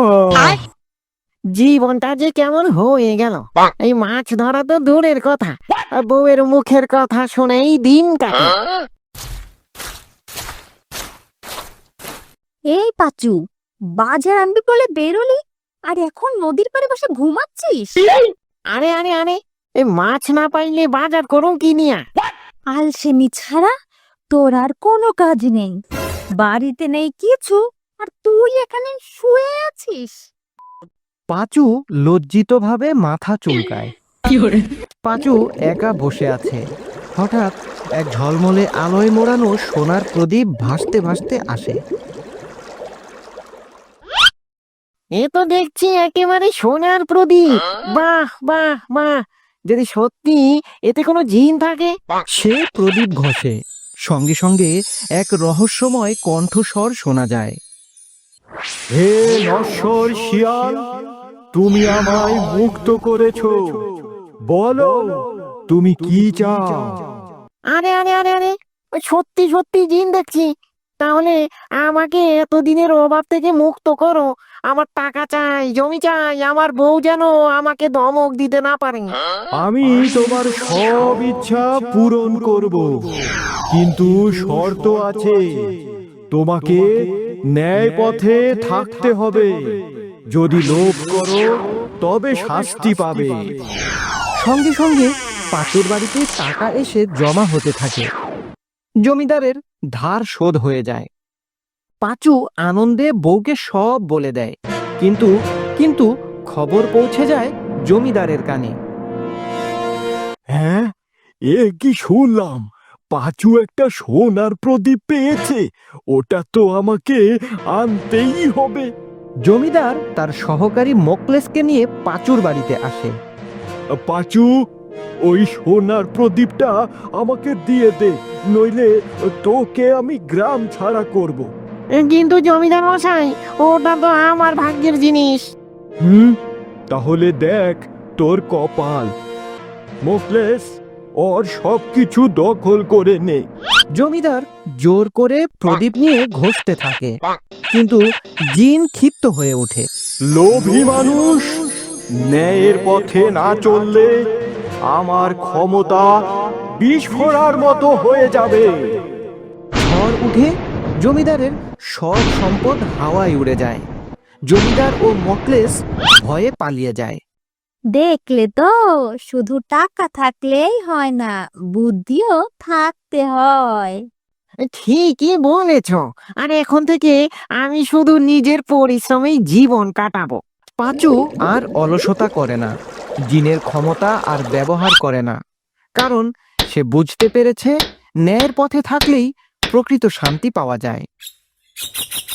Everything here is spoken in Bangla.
জীবনটা যে কেমন হয়ে গেল। এই মাছ ধরা তো দূরের কথা, আর বউয়ের মুখের কথা শুনেই দিন কাটে। এই পাচু, বাজার আনবি বলে বেরোলি আর এখন নদীর পাড়ে বসে ঘুমাচ্ছিস? আরে আরে আরে, এই মাছ না পাইলে বাজার করুন কি নিয়া? আলসেমি ছাড়া তোর আর কোনো কাজ নেই, বাড়িতে নেই কিছু, আর তুই এখানে শুয়ে আছিস। পাঁচু লজ্জিতভাবে মাথা চুলকায়। পাঁচু একা বসে আছে। হঠাৎ এক ঝলমলে আলোয় মোড়ানো সোনার প্রদীপ ভাসতে ভাসতে আসে। এ তো দেখছি একেবারে সোনার প্রদীপ। বাহ বাহ বাহ, যদি সত্যি এতে কোনো জিন থাকে। সে প্রদীপ ঘষে, সঙ্গে সঙ্গে এক রহস্যময় কণ্ঠস্বর শোনা যায়। হে নশ্বর শিয়াল, তুমি আমায় মুক্ত করেছো, বলো তুমি কি চাও? আরে আরে আরে আরে, ওই সত্যি সত্যি জিন দেখছি। তাহলে আমাকে এতদিনের অভাব থেকে মুক্ত করো। আমার টাকা চাই, জমি চাই, আমার বউ যেন আমাকে ধমক দিতে না পারে। আমি তোমার সব ইচ্ছা পূরণ করব, কিন্তু শর্ত আছে। তোমাকে ন্যায় পথে থাকতে হবে। যদি লোভ করো তবে শাস্তি পাবে। সঙ্গে সঙ্গে পাঁচুর বাড়িতে টাকা এসে জমা হতে থাকে। জমিদারের ধার শোধ হয়ে যায়। পাঁচু আনন্দে বউকে সব বলে দেয়, কিন্তু কিন্তু খবর পৌঁছে যায় জমিদারের কানে। হ্যাঁ, এ কি শুনলাম? পাঁচু একটা সোনার প্রদীপ পেয়েছে। ওটা তো আমাকে আনতেই হবে। জমিদার তার সহকারী মোকলেসকে নিয়ে পাঁচুর বাড়িতে আসে। পাঁচু, ওই সোনার প্রদীপটা আমাকে দিয়ে দে, নইলে তোকে আমি গ্রাম ছাড়া করব। কিন্তু জমিদার মশাই, ওটা তো আমার ভাগ্যের জিনিস। তাহলে দেখ তোর কপাল। মোকলেস, ওর সবকিছু দখল করে নে। জমিদার জোর করে প্রদীপ নিয়ে ঘষতে থাকে, কিন্তু জিন ক্ষিপ্ত হয়ে ওঠে। লোভী মানুষ, ন্যায়ের পথে না চললে আমার ক্ষমতা বিস্ফোরার মতো হয়ে যাবে। ঝড় উঠে জমিদারের সব সম্পদ হাওয়ায় উড়ে যায়। জমিদার ও মোকলেস ভয়ে পালিয়ে যায়। দেখলে তো, শুধু টাকা থাকলেই হয় না, বুদ্ধিও থাকতে হয়। ঠিকই বলেছ। আর এখন থেকে আমি শুধু নিজের পরিশ্রমেই জীবন কাটাবো। পাঁচু আর অলসতা করে না, জিনের ক্ষমতা আর ব্যবহার করে না, কারণ সে বুঝতে পেরেছে ন্যায়ের পথে থাকলেই প্রকৃত শান্তি পাওয়া যায়।